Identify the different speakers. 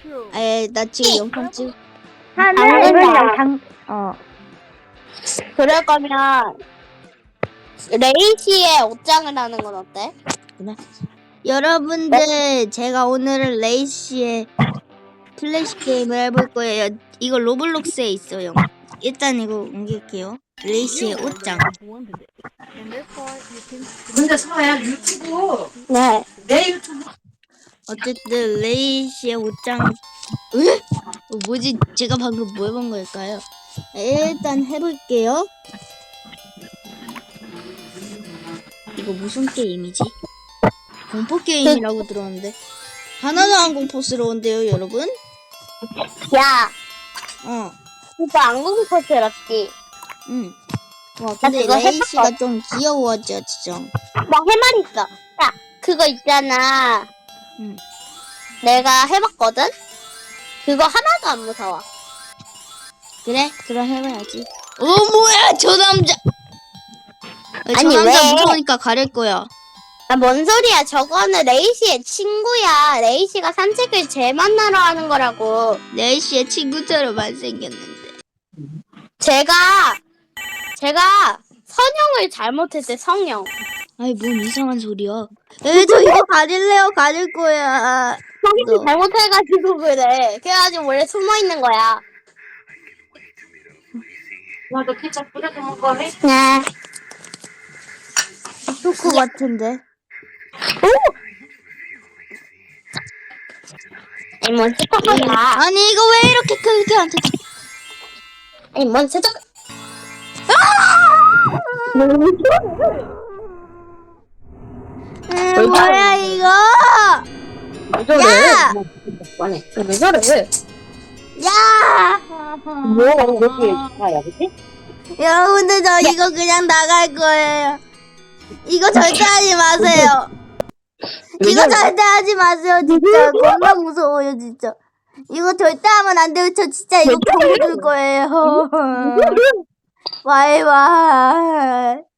Speaker 1: 나 지금 영상 찍.
Speaker 2: 하늘이랑
Speaker 3: 그럴 거면 레이시의 옷장을 하는 건 어때?
Speaker 1: 여러분들, 제가 오늘은 레이시의 플래시 게임을 해볼 거예요. 이거 로블록스에 있어요. 일단 이거 옮길게요. 레이시의 옷장.
Speaker 2: 근데 서야 유튜브
Speaker 3: 네.
Speaker 2: 내 유튜브
Speaker 1: 어쨌든 레이시의 옷장. 으? 뭐지? 제가 방금 뭐 해본 걸까요? 일단 해볼게요. 이거 무슨 게임이지? 공포 게임이라고 들었는데 하나도 안 공포스러운데요, 여러분?
Speaker 3: 야,
Speaker 1: 그거
Speaker 3: 안 공포스럽지?
Speaker 1: 응. 와, 근데
Speaker 3: 그거
Speaker 1: 레이시가
Speaker 3: 해봤거든.
Speaker 1: 좀 귀여워져, 진짜.
Speaker 3: 나 할 말 있어. 야, 그거 있잖아.
Speaker 1: 응.
Speaker 3: 내가 해봤거든? 그거 하나도 안 무서워.
Speaker 1: 그래? 그럼 해봐야지. 뭐야, 저 남자! 저
Speaker 3: 아니,
Speaker 1: 남자
Speaker 3: 왜?
Speaker 1: 무서우니까 가릴 거야.
Speaker 3: 아, 뭔 소리야. 저거는 레이시의 친구야. 레이시가 산책을 쟤 만나러 하는 거라고.
Speaker 1: 레이시의 친구처럼만 생겼는데.
Speaker 3: 제가 선영을 잘못했대, 성영.
Speaker 1: 아이, 뭔 이상한 소리야. 저 이거 가질래요? 가질 거야.
Speaker 3: 성영이 잘못해가지고 그래. 그래가지고 원래 숨어있는 거야.
Speaker 2: 나도 피자 뿌려서 먹어래.
Speaker 3: 네.
Speaker 1: 초코 같은데.
Speaker 3: 아니, 뭔 스토커야.
Speaker 1: 아니, 이거 왜 이렇게 크게 안 터져?
Speaker 3: 아니, 뭔 스토커.
Speaker 1: 뭐야, 이거?
Speaker 2: 왜 저래?
Speaker 1: 야!
Speaker 2: 아니 왜 저래?
Speaker 1: 야!
Speaker 2: 뭐 여기 가야 그치?
Speaker 1: 여러분들, 저 이거 그냥 나갈 거예요. 이거 절대 하지 마세요. 이거 절대 하지 마세요, 진짜. 겁나 무서워요, 진짜. 이거 절대 하면 안 돼요. 저 진짜 이거 경고 줄 거예요. 바이바이.